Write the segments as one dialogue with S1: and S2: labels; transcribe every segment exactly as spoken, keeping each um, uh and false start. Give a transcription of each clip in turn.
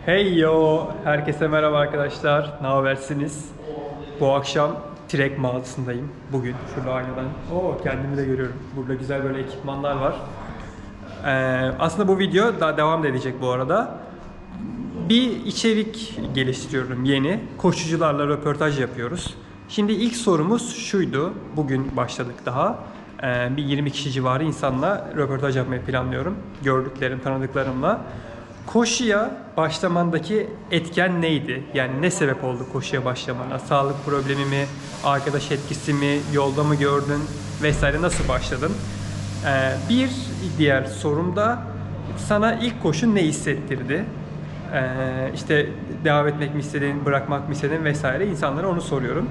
S1: Hey yo! Herkese merhaba arkadaşlar. Ne habersiniz? Bu akşam Trek mağazasındayım. Bugün şurada aynadan. Oo, kendimi de görüyorum. Burada güzel böyle ekipmanlar var. Ee, aslında bu video daha devam da edecek bu arada. Bir içerik geliştiriyorum yeni. Koşucularla röportaj yapıyoruz. Şimdi ilk sorumuz şuydu. Bugün başladık daha. Ee, bir yirmi kişi civarı insanla röportaj yapmayı planlıyorum. Gördüklerim, tanıdıklarımla. Koşuya başlamandaki etken neydi? Yani ne sebep oldu koşuya başlamana? Sağlık problemi mi, arkadaş etkisi mi, yolda mı gördün vesaire, nasıl başladın? Ee, bir diğer sorum da sana ilk koşu ne hissettirdi? Ee, işte devam etmek mi istedin, bırakmak mı istedin vesaire, insanlara onu soruyorum.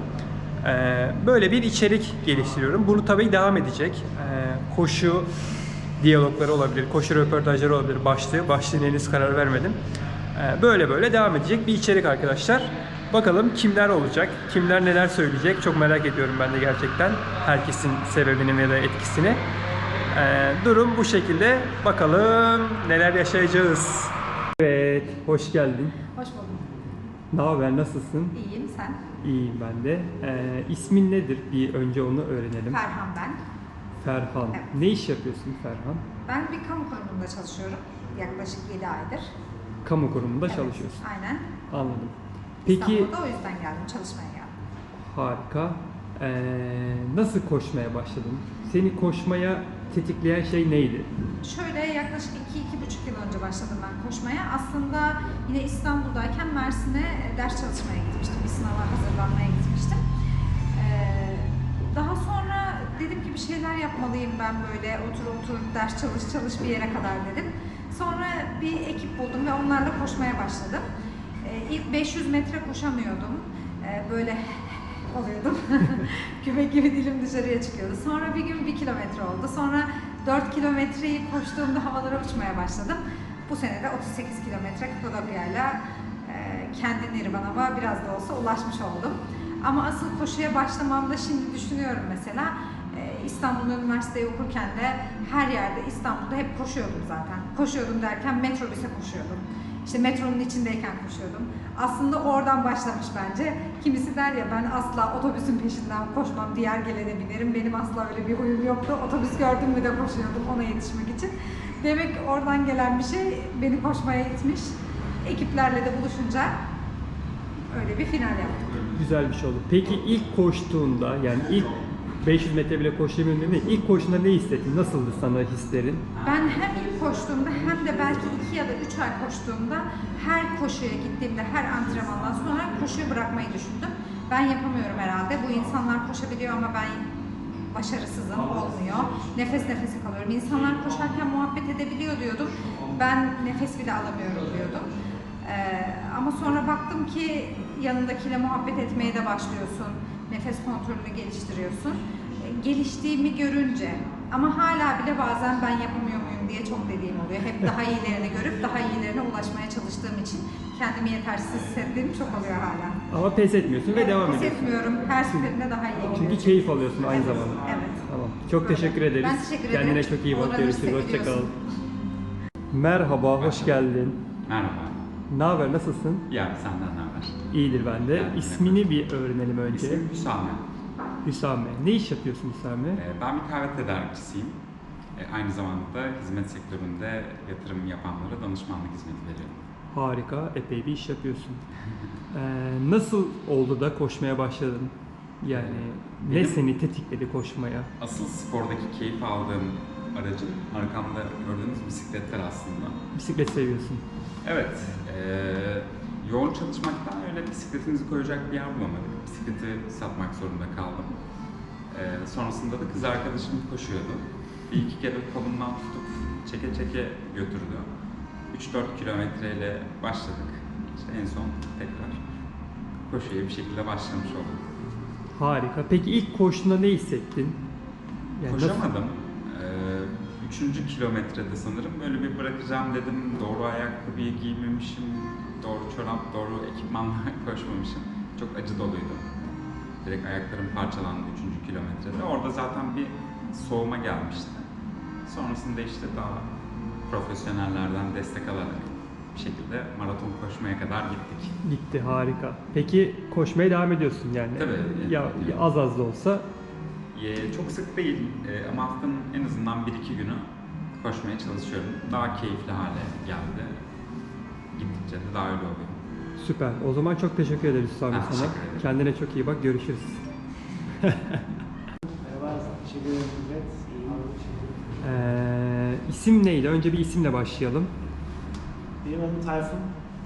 S1: Ee, böyle bir içerik geliştiriyorum. Bunu tabii devam edecek. Ee, koşu diyalogları olabilir, koşu röportajları olabilir, başlığı. Başlığına henüz karar vermedim. Ee, böyle böyle devam edecek bir içerik arkadaşlar. Bakalım kimler olacak, kimler neler söyleyecek, çok merak ediyorum ben de gerçekten. Herkesin sebebini ya da etkisini. Ee, durum bu şekilde. Bakalım neler yaşayacağız. Evet, hoş geldin.
S2: Hoş buldum.
S1: Ne haber, nasılsın?
S2: İyiyim, sen?
S1: İyiyim ben de. Ee, ismin nedir? Bir önce onu öğrenelim.
S2: Ferhan ben.
S1: Ferhan.
S2: Evet.
S1: Ne iş yapıyorsun Ferhan?
S2: Ben bir kamu kurumunda çalışıyorum. Yaklaşık yedi aydır.
S1: Kamu kurumunda
S2: Evet,
S1: çalışıyorsun.
S2: aynen.
S1: Anladım. Peki,
S2: İstanbul'da o yüzden geldim, çalışmaya geldim.
S1: harika. Ee, nasıl koşmaya başladın? Seni koşmaya tetikleyen şey neydi?
S2: Şöyle yaklaşık iki iki buçuk yıl önce başladım ben koşmaya. Aslında yine İstanbul'dayken Mersin'e ders çalışmaya gitmiştim. Bir sınava hazırlanmaya gitmiştim. Ee, daha sonra dedim ki bir şeyler yapmalıyım ben böyle. Otur otur ders çalış çalış bir yere kadar dedim. Sonra bir ekip buldum ve onlarla koşmaya başladım. Ee, ilk beş yüz metre koşamıyordum. Ee, böyle oluyordum. Köpek gibi dilim dışarıya çıkıyordu. Sonra bir gün bir kilometre oldu. Sonra dört kilometreyi koştuğumda havalara uçmaya başladım. Bu sene de otuz sekiz kilometre Kapadokya'yla e, kendi nirvanama biraz da olsa ulaşmış oldum. Ama asıl koşuya başlamamda şimdi düşünüyorum mesela. e, İstanbul'da üniversiteyi okurken de her yerde İstanbul'da hep koşuyordum zaten. Koşuyordum derken metrobüse koşuyordum. İşte metronun içindeyken koşuyordum. Aslında oradan başlamış bence. Kimisi der ya, ben asla otobüsün peşinden koşmam, diğer gelene binerim. Benim asla öyle bir huyum yoktu. Otobüs gördüm mü de koşuyordum ona yetişmek için. Demek ki oradan gelen bir şey beni koşmaya itmiş. Ekiplerle de buluşunca öyle bir final yaptık.
S1: Güzel bir şey oldu. Peki ilk koştuğunda, yani ilk beş yüz metre bile koşamıyorum dedin. İlk koştuğunda ne hissettin? Nasıldı sana hislerin?
S2: Ben hem ilk koştuğumda hem de belki iki ya da üç ay koştuğumda her koşuya gittiğimde, her antrenmandan sonra koşuyu bırakmayı düşündüm. Ben yapamıyorum herhalde. Bu insanlar koşabiliyor ama ben başarısızım, olmuyor. Nefes nefese kalıyorum. İnsanlar koşarken muhabbet edebiliyor diyordum. Ben nefes bile alamıyorum diyordum. Ee, ama sonra baktım ki yanındakiyle muhabbet etmeye de başlıyorsun. Nefes kontrolünü geliştiriyorsun. E, geliştiğimi görünce ama hala bile bazen ben yapamıyor muyum diye çok dediğim oluyor. Hep daha iyilerini görüp daha iyilerine ulaşmaya çalıştığım için kendimi yetersiz hissettiğim çok oluyor hala.
S1: Ama pes etmiyorsun ve devam
S2: Pes
S1: ediyorsun.
S2: etmiyorum. Her seferinde daha iyi
S1: Çünkü
S2: gidiyorum.
S1: keyif alıyorsun aynı
S2: Evet,
S1: zamanda.
S2: evet.
S1: Tamam. Çok
S2: Böyle.
S1: teşekkür ederiz.
S2: Ben teşekkür ederim.
S1: Kendine çok iyi bak.
S2: Uğranırsa
S1: Görüşürüz. Hoşça kal.
S2: gidiyorsun.
S1: Merhaba, hoş geldin.
S3: Merhaba.
S1: Ne haber, nasılsın?
S3: Ya senden ne haber?
S1: İyidir ben de.
S3: Ben de.
S1: İsmini bir öğrenelim önce.
S3: İsmim Hüsame.
S1: Hüsame. Ne iş yapıyorsun Hüsame?
S3: Ee, Ben bir kahve tedarikçisiyim. Ee, Aynı zamanda hizmet sektöründe yatırım yapanlara danışmanlık hizmeti veriyorum.
S1: Harika, epey bir iş yapıyorsun. Ee, nasıl oldu da koşmaya başladın? Yani ne
S3: Benim-
S1: seni tetikledi koşmaya?
S3: Asıl spordaki keyif aldığım aracım arkamda gördüğünüz bisikletler aslında.
S1: Bisiklet seviyorsun.
S3: Evet, eee, yoğun çalışmaktan öyle bisikletimizi koyacak bir yer bulamadık. Bisikleti satmak zorunda kaldım. Eee, sonrasında da kız arkadaşım koşuyordu. Bir iki kere kolumdan tutup çeke çeke götürdü. üç dört kilometreyle başladık. İşte en son tekrar koşuya bir şekilde başlamış oldum.
S1: Harika. Peki ilk koştuğunda ne hissettin? Yani nasıl-
S3: Koşamadım. Ee, Üçüncü kilometrede sanırım böyle bir bırakacağım dedim. Doğru ayakkabıyı giymemişim, doğru çorap, doğru ekipmanla koşmamışım. Çok acı doluydu. Direkt ayaklarım parçalandı üçüncü kilometrede. Orada zaten bir soğuma gelmişti. Sonrasında işte daha profesyonellerden destek alarak bir şekilde maraton koşmaya kadar gittik.
S1: Gitti, harika. Peki koşmaya devam ediyorsun yani?
S3: Tabii.
S1: Ya, ya az az da olsa.
S3: Ee, çok sık değil ee, ama haftanın en azından bir iki günü koşmaya çalışıyorum. Daha keyifli hale geldi. Gittikçe de daha öyle oluyor.
S1: Süper. O zaman çok teşekkür ederiz Hüsam
S3: Ben
S1: sana.
S3: teşekkür ederim.
S1: Kendine çok iyi bak. Görüşürüz.
S4: Merhaba, teşekkür ederim İzzet. İyiyim.
S1: Ee, isim neydi? Önce bir isimle başlayalım.
S4: Benim adım Tayfun.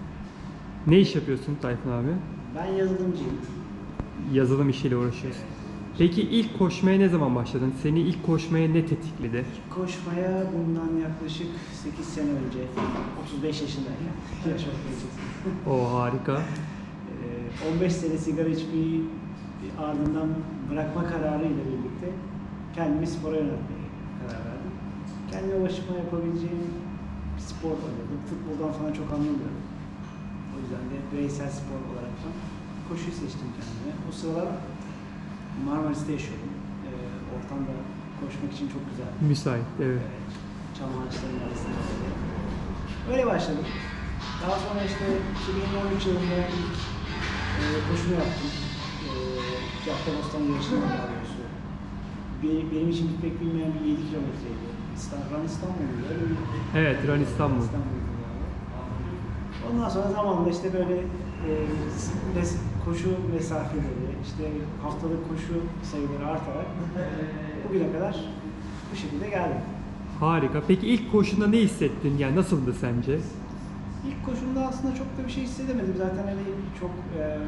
S1: Ne iş yapıyorsun Tayfun abi?
S4: Ben yazılımcıyım.
S1: Yazılım işiyle uğraşıyorsun. Peki ilk koşmaya ne zaman başladın? Seni ilk koşmaya ne tetikledi?
S4: Koşmaya bundan yaklaşık sekiz sene önce, otuz beş yaşındayken, yaş çok gençsin.
S1: O harika.
S4: Ee, on beş sene sigara içmeyi ardından bırakma kararıyla birlikte kendimi spora yöneltmeye karar verdim. Kendime başıma yapabileceğim bir spor oynadım. Futboldan falan çok anlamıyorum. O yüzden de bireysel spor olarak da koşuyu seçtim kendime. O sıralar Marmaris'te yaşıyordum. Ee, ortam da koşmak için çok güzel.
S1: Müsait, evet.
S4: Evet, çam ağaçlarının arasında. Öyle başladım. Daha sonra işte iki bin on üç yılında ilk e, koşumu yaptım. E, Caddebostan yarışında daha doğrusu. Bir, benim için pek bilmeyen bir yedi kilometreydi. İstanbul, Run İstanbul'du öyle bir...
S1: Evet, Run İstanbul.
S4: İstanbul'du yani. Ondan sonra zamanla işte böyle e, mes- koşu mesafeleri, işte haftalık koşu sayıları artarak bugüne kadar bu şekilde geldim.
S1: Harika. Peki ilk koşunda ne hissettin? Yani nasıldı sence?
S4: İlk koşumda aslında çok da bir şey hissedemedim. Zaten hani çok e,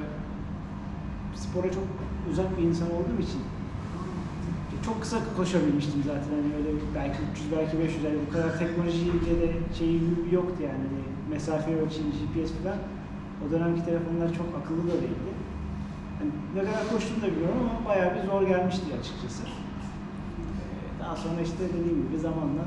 S4: spora çok uzak bir insan olduğum için çok kısa koşabilmiştim zaten. Hani öyle belki üç yüz belki beş yüz yani bu kadar teknolojiyle de şey yoktu yani. Hani mesafe ölçen G P S falan. O dönemki telefonlar çok akıllı da değildi. Yani ne kadar koştum da bilmiyorum ama bayağı bir zor gelmişti açıkçası. Ee, Daha sonra işte dediğim gibi zamanla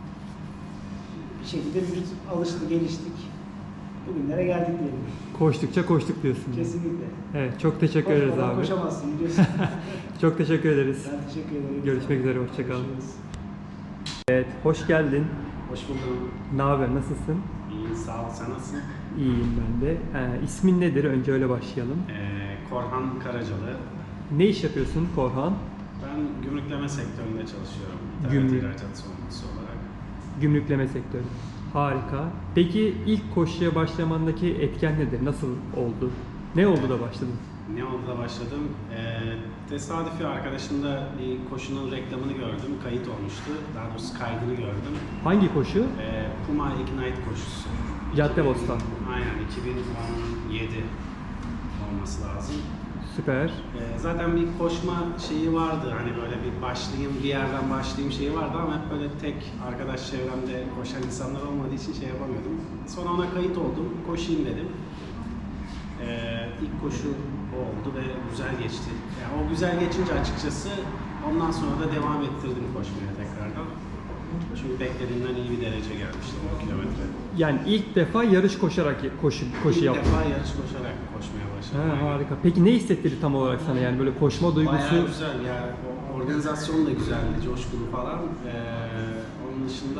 S4: bir şekilde vücut alıştı, geliştik. Bugünlere geldik diyelim.
S1: Koştukça koştuk diyorsun. yani.
S4: Kesinlikle.
S1: Evet, çok teşekkür ederiz
S4: Koşmadan
S1: abi.
S4: koşamazsın biliyorsun.
S1: Çok teşekkür ederiz.
S4: Ben teşekkür ederim.
S1: Görüşmek üzere, hoşça kal.
S4: Görüşürüz.
S1: Evet, hoş geldin.
S5: Hoş buldum.
S1: Ne haber, nasılsın?
S5: İyi, sağ ol. Sen nasılsın?
S1: İyiyim ben de. Ee, ismin nedir? Önce öyle başlayalım.
S5: Ee, Korhan Karacalı.
S1: Ne iş yapıyorsun Korhan?
S5: Ben gümrükleme sektöründe çalışıyorum.
S1: Gümrük.
S5: İthalat ihracat sorumlusu olarak.
S1: Gümrükleme sektörü. Harika. Peki ilk koşuya başlamandaki etken nedir? Nasıl oldu? Ne oldu da başladın?
S5: Ne oldu da başladım? Ee, tesadüfi arkadaşımda bir koşunun reklamını gördüm. Kayıt olmuştu. Daha doğrusu kaydını gördüm.
S1: Hangi koşu?
S5: Ee, Puma Ignite koşusu.
S1: Caddebostan.
S5: Aynen, iki bin on yedi olması lazım.
S1: Süper.
S5: Ee, zaten bir koşma şeyi vardı, hani böyle bir başlayayım, bir yerden başlayayım şeyi vardı ama hep böyle tek arkadaş çevremde koşan insanlar olmadığı için şey yapamıyordum. Sonra ona kayıt oldum, koşayım dedim. Ee, ilk koşu o oldu ve güzel geçti. Yani o güzel geçince açıkçası ondan sonra da devam ettirdim koşmaya tekrardan. Çünkü beklediğimden iyi bir derece gelmişti on kilometre.
S1: Yani ilk defa yarış koşarak koşu, koşu
S5: İlk
S1: yaptın.
S5: defa yarış koşarak koşmaya başladım.
S1: Ha,
S5: Aynen.
S1: harika. Peki ne hissettirdi tam olarak sana yani böyle koşma duygusu?
S5: Bayağı güzel ya. O organizasyon da güzeldi, coşkulu falan. Ee, onun dışında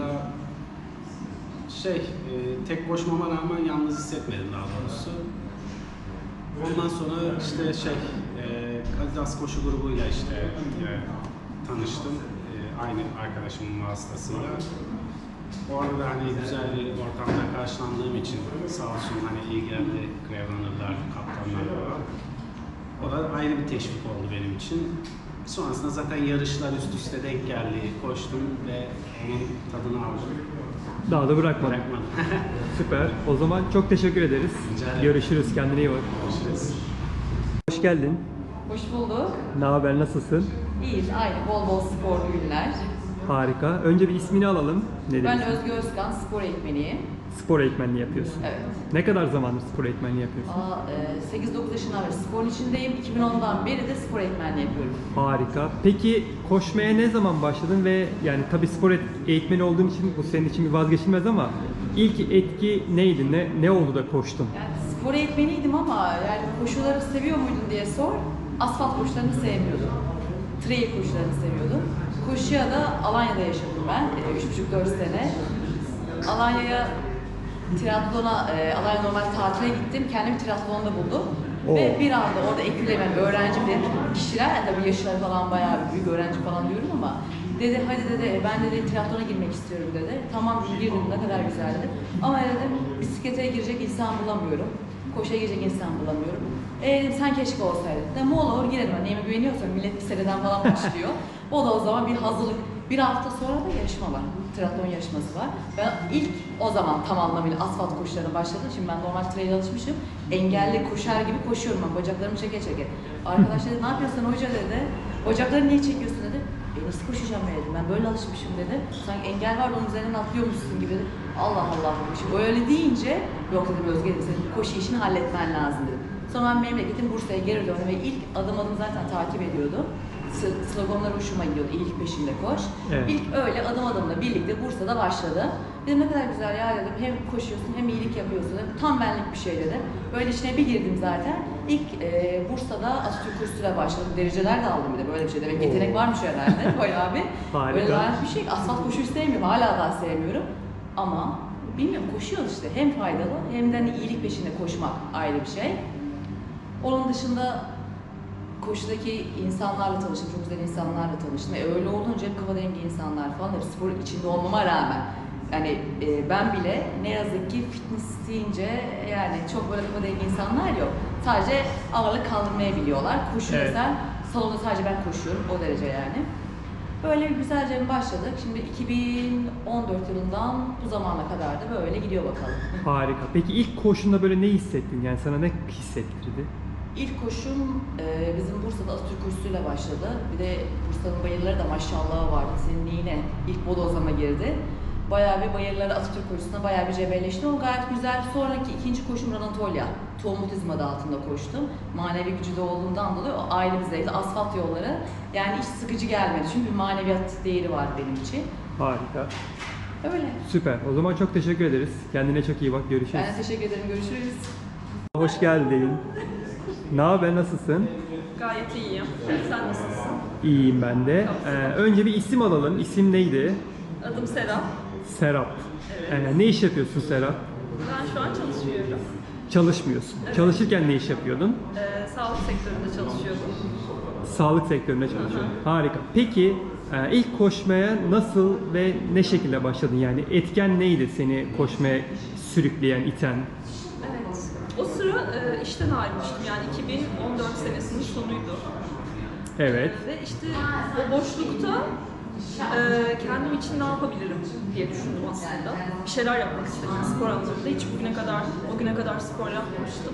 S5: şey, e, tek koşmama rağmen yalnız hissetmedim daha doğrusu. Ondan sonra işte şey, e, Adidas koşu grubuyla işte e, tanıştım. E, aynı arkadaşımın vasıtasıyla. Orada da hani güzel bir ortamda karşılandığım için sağ olsun hani ilgilendi Grevranırlar, kaptanlar falan. O da ayrı bir teşvik oldu benim için. Sonrasında zaten yarışlar üst üste denk geldi, koştum ve onun tadını aldım.
S1: Daha da bırakmadın.
S5: Bırakmadım.
S1: Süper. O zaman çok teşekkür ederiz.
S5: Rica ederim.
S1: Görüşürüz. Kendine iyi bak.
S5: Görüşürüz.
S1: Hoş geldin.
S6: Hoş bulduk.
S1: Ne haber? Nasılsın?
S6: İyiyiz, aynı. Bol bol sporlu günler.
S1: Harika. Önce bir ismini alalım. Ne
S6: Ben
S1: demiştin?
S6: Özge Özkan, spor eğitmeniyim.
S1: Spor eğitmenliği yapıyorsun.
S6: Evet.
S1: Ne kadar zamandır spor eğitmenliği yapıyorsun?
S6: Aa, e, sekiz dokuz yaşından beri sporun içindeyim. iki bin ondan beri de spor eğitmenliği yapıyorum.
S1: Harika. Peki koşmaya ne zaman başladın ve yani tabii spor et- eğitmeni olduğun için bu senin için bir vazgeçilmez ama ilk etki neydi? Ne ne oldu da koştun?
S6: Yani spor eğitmeniydim ama yani koşuları seviyor muydun diye sor. Asfalt koşularını sevmiyordum. Trail koşularını seviyordum. Koşuya da Alanya'da yaşadım ben. üç buçuk dört sene. Alanya'ya triatlona, e, Alanya normal tatile gittim. Kendimi triatlonda buldum.
S1: Oo.
S6: Ve bir anda orada ekülemen, öğrencim dedim kişiler, yani tabii yaşları falan bayağı büyük öğrenci falan diyorum ama dedi hadi dedi ben dedi triatlona girmek istiyorum dedi. Tamam dedim, girdim, ne kadar güzel dedim. Ama dedim bisiklete girecek insan bulamıyorum. Koşuya girecek insan bulamıyorum. E dedim sen keşke olsaydın. Dedim olur girelim. Neyime güveniyorsan millet bir seneden falan başlıyor. O da o zaman bir hazırlık. Bir hafta sonra da yarışma var. Triatlon yarışması var. Ben ilk o zaman tam anlamıyla asfalt koşularına başladım. Şimdi ben normal trail alışmışım. Engelli koşar gibi koşuyorum ben. Bacaklarımı çeke çeke. Arkadaş dedi ne yapıyorsun hoca dedi. Bacaklarını niye çekiyorsun dedi. E nasıl koşacağım dedim. Ben böyle alışmışım dedi. Sanki engel var onun üzerinden atlıyormuşsun gibi dedi. Allah Allah demişim. Öyle deyince yok dedim Özge dedim. Senin koşu işini halletmen lazım dedim. Sonra ben memleketim Bursa'ya geri döndüm ve ilk adım adım zaten takip ediyordum. Sloganlar hoşuma gidiyordu. İyilik peşinde koş.
S1: Evet.
S6: İlk öyle adım adımla birlikte Bursa'da başladı. Dedim ne kadar güzel ya dedim. Hem koşuyorsun hem iyilik yapıyorsun dedim. Tam benlik bir şey dedim. Böyle içine bir girdim zaten. İlk e, Bursa'da Atatürk kursuyla başladım. Dereceler de aldım bir de böyle bir şey. Demek yetenek varmış herhalde bayağı bir.
S1: Harika.
S6: Böyle lanet bir şey. Asfalt koşuyu sevmiyorum. Hala daha sevmiyorum. Ama bilmiyorum koşuyoruz işte. Hem faydalı hem de hani iyilik peşinde koşmak ayrı bir şey. Onun dışında koşudaki insanlarla tanıştım, çok güzel insanlarla tanıştım. E öyle olunca hep kafa dengi insanlar falan, hep spor içinde olmama rağmen. Yani e, ben bile ne yazık ki fitness deyince yani çok böyle kafa dengi insanlar yok. Sadece ağırlık kaldırmayı biliyorlar. Koşu
S1: Evet.
S6: mesela salonda sadece ben koşuyorum, o derece yani. Böyle bir güzelce başladık. Şimdi iki bin on dört yılından bu zamana kadar da böyle gidiyor bakalım.
S1: Harika. Peki ilk koşunda böyle ne hissettin? Yani sana ne hissettirdi?
S6: İlk koşum e, bizim Bursa'da Atatürk kursuyla başladı. Bir de Bursa'nın bayırları da maşallah vardı. Senin yine ilk bodozlama girdi. Bayağı bir bayırları Atatürk kursuna bayağı bir cebelleşti. O gayet güzel. Sonraki ikinci koşum Anatolia. Tuğmutizm adı altında koştum. Manevi gücü de olduğundan dolayı o ayrı bir zevkli. Asfalt yolları yani hiç sıkıcı gelmedi. Çünkü bir maneviyat değeri var benim için.
S1: Harika.
S6: Öyle.
S1: Süper. O zaman çok teşekkür ederiz. Kendine çok iyi bak. Görüşürüz.
S6: Ben de teşekkür ederim. Görüşürüz.
S1: Hoş geldin. Ne haber? Nasılsın?
S7: Gayet iyiyim. Sen nasılsın?
S1: İyiyim ben de. Ee, önce bir isim alalım. İsim neydi?
S7: Adım Serap.
S1: Serap. Ee, ne iş yapıyorsun Serap?
S7: Ben şu an çalışıyorum.
S1: Çalışmıyorsun.
S7: Evet.
S1: Çalışırken ne iş yapıyordun?
S7: Ee, sağlık sektöründe çalışıyordum.
S1: Sağlık sektöründe çalışıyordun. Harika. Peki e, ilk koşmaya nasıl ve ne şekilde başladın? Yani etken neydi seni koşmaya sürükleyen, iten?
S7: Evet. O sıra e, işten ayrılmıştım. Yani iki bin on dört senesinin sonuydu.
S1: Evet.
S7: Ee, ve işte o boşlukta e, kendim için ne yapabilirim diye düşündüm aslında. Bir şeyler yapmak istedim spor anlamında. Hiç bugüne kadar, o güne kadar spor yapmamıştım.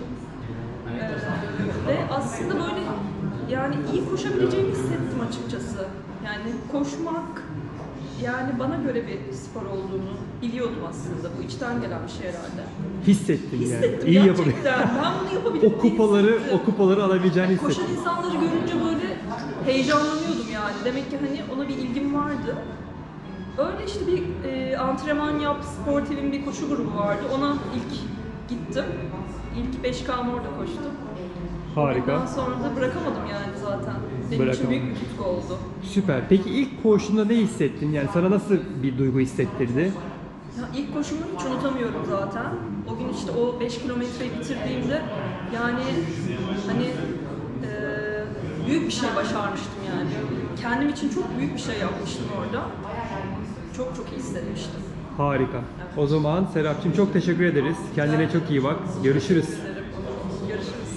S7: Ee, ve aslında böyle yani iyi koşabileceğimi hissettim açıkçası. Yani koşmak yani bana göre bir spor olduğunu biliyordum aslında. Bu içten gelen bir şey herhalde.
S1: Hissettin yani.
S7: Hissettim
S1: İyi
S7: gerçekten.
S1: yapabilir.
S7: Ben bunu yapabilirim.
S1: O kupaları,
S7: diye hissettim.
S1: o kupaları alabileceğini
S7: Koşan
S1: hissettin.
S7: insanları görünce böyle heyecanlanıyordum yani. Demek ki hani ona bir ilgim vardı. Öyle işte bir e, antrenman yap, Sportiv'in bir koşu grubu vardı. Ona ilk gittim. İlk beş K'm orada koştum.
S1: Harika.
S7: Ondan sonra da bırakamadım yani zaten. Benim
S1: Bırakamam.
S7: için büyük bir tutku oldu.
S1: Süper. Peki ilk koşunda ne hissettin? Yani sana nasıl bir duygu hissettirdi?
S7: Ya ilk koşumu hiç unutamıyorum zaten. O gün işte o beş kilometreyi bitirdiğimde yani hani e, büyük bir şey başarmıştım yani. Kendim için çok büyük bir şey yapmıştım orada. Çok çok iyi hissetmiştim.
S1: Harika. O zaman Serapcığım çok teşekkür ederiz. Kendine çok iyi bak. Görüşürüz.
S7: Görüşürüz.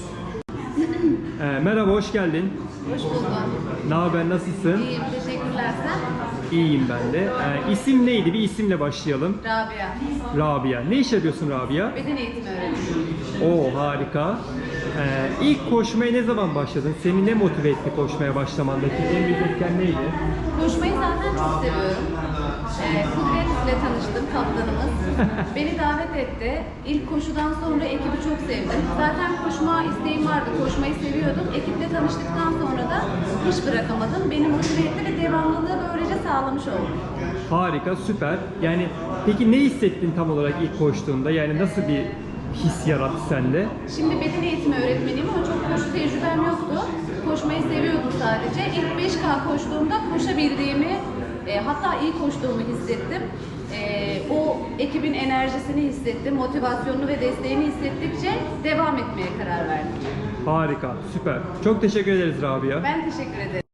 S1: Ee, merhaba, hoş geldin.
S8: Hoş bulduk.
S1: Ne haber, nasılsın?
S8: İyiyim, teşekkürler. Sen?
S1: İyiyim ben de. Ee, isim neydi? Bir isimle başlayalım.
S8: Rabia.
S1: Rabia. Ne iş yapıyorsun Rabia?
S8: Beden eğitimi öğretmeniyim.
S1: Oo, harika. Ee, ilk koşmaya ne zaman başladın? Seni ne motive etti koşmaya başlamandaki? En büyük etken neydi?
S8: Koşmayı zaten çok seviyorum. Ee, Kudret ile tanıştım, kaptanımız. Beni davet etti. İlk koşudan sonra ekibi çok sevdim. Zaten koşma isteğim vardı, koşmayı seviyordum. Ekiple tanıştıktan sonra da hiç bırakamadım. Beni motive etti ve devamlılığı böylece sağlamış oldum.
S1: Harika, süper. Yani peki ne hissettin tam olarak ilk koştuğunda? Yani nasıl bir his yarattı sende?
S8: Şimdi beden eğitimi öğretmeniyim ama çok koşu tecrübem yoktu. Koşmayı seviyordum sadece. İlk beş K koştuğumda koşabildiğimi E, hatta iyi koştuğumu hissettim. E, o ekibin enerjisini hissettim, motivasyonunu ve desteğini hissettikçe devam etmeye karar verdim.
S1: Harika, süper. Çok teşekkür ederiz Rabia.
S8: Ben teşekkür ederim.